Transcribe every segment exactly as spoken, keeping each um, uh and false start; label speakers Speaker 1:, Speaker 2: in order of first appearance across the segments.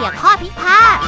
Speaker 1: ลี่ยข้อพิพาท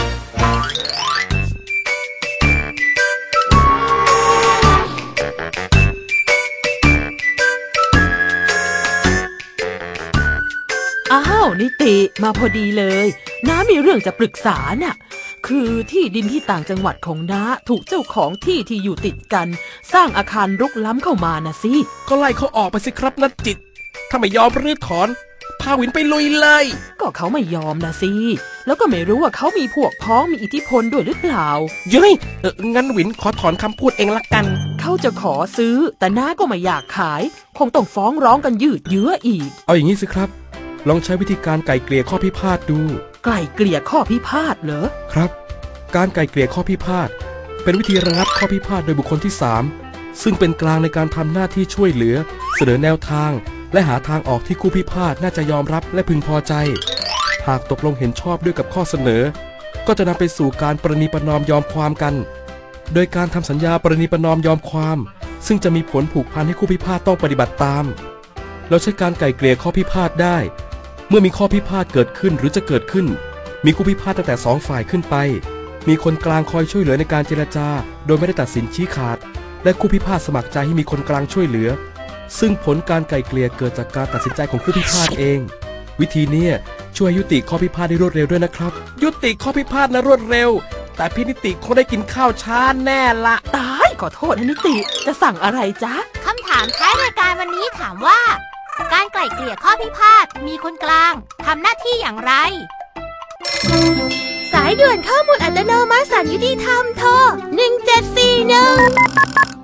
Speaker 2: อ้าวนิติมาพอดีเลยน้ามีเรื่องจะปรึกษาน่ะคือที่ดินที่ต่างจังหวัดของน้าถูกเจ้าของที่ที่อยู่ติดกันสร้างอาคารรุกล้ำเข้ามานะสิ
Speaker 3: ก็ไล่เขาออกไปสิครับนัดจิตถ้าไม่ยอมรื้อถอนพาวินไปลุยเลย
Speaker 2: ก็เขาไม่ยอมนะสิแล้วก็ไม่รู้ว่าเขามีพวกพ้องมีอิทธิพลด้วยหรือเปล่า
Speaker 3: เย้ยเอองั้นวินขอถอนคำพูดเองละกัน
Speaker 2: เขาจะขอซื้อแต่น้าก็ไม่อยากขายคงต้องฟ้องร้องกันยืดเยื้ออีก
Speaker 3: เอาอย่างนี้สิครับลองใช้วิธีการไกล่เกลี่ยข้อพิพาทดู
Speaker 2: ไกล่เกลี่ยข้อพิพาทเหรอ
Speaker 3: ครับการไกล่เกลี่ยข้อพิพาทเป็นวิธีระงับข้อพิพาทโดยบุคคลที่สามซึ่งเป็นกลางในการทำหน้าที่ช่วยเหลือเสนอแนวทางและหาทางออกที่คู่พิพาทน่าจะยอมรับและพึงพอใจหากตกลงเห็นชอบด้วยกับข้อเสนอก็จะนำไปสู่การประนีประนอมยอมความกันโดยการทำสัญญาประนีประนอมยอมความซึ่งจะมีผลผูกพันให้คู่พิพาทต้องปฏิบัติตามเราใช้การไกล่เกลี่ยข้อพิพาทได้เมื่อมีข้อพิพาทเกิดขึ้นหรือจะเกิดขึ้นมีคู่พิพาทตั้งแต่สองฝ่ายขึ้นไปมีคนกลางคอยช่วยเหลือในการเจรจาโดยไม่ได้ตัดสินชี้ขาดและคู่พิพาทสมัครใจให้มีคนกลางช่วยเหลือซึ่งผลการไกล่เกลี่ยเกิดจากการตัดสินใจของคู่พิพาทเองวิธีนี้ช่วยยุติข้อพิพาทได้รวดเร็วด้วยนะครับยุติข้อพิพาทนะรวดเร็วแต่พี่นิติคงได้กินข้าวช้าแน่ละ
Speaker 2: ตายขอโทษนะนิติจะสั่งอะไรจ๊ะ
Speaker 1: คำถามท้ายรายการวันนี้ถามว่าการไกล่เกลี่ยข้อพิพาทมีคนกลางทำหน้าที่อย่างไรสายด่วนข้อมูลอัตโนมัติศาลยุติธรรมโทรหนึ่งเจ็ดสี่หนึ่ง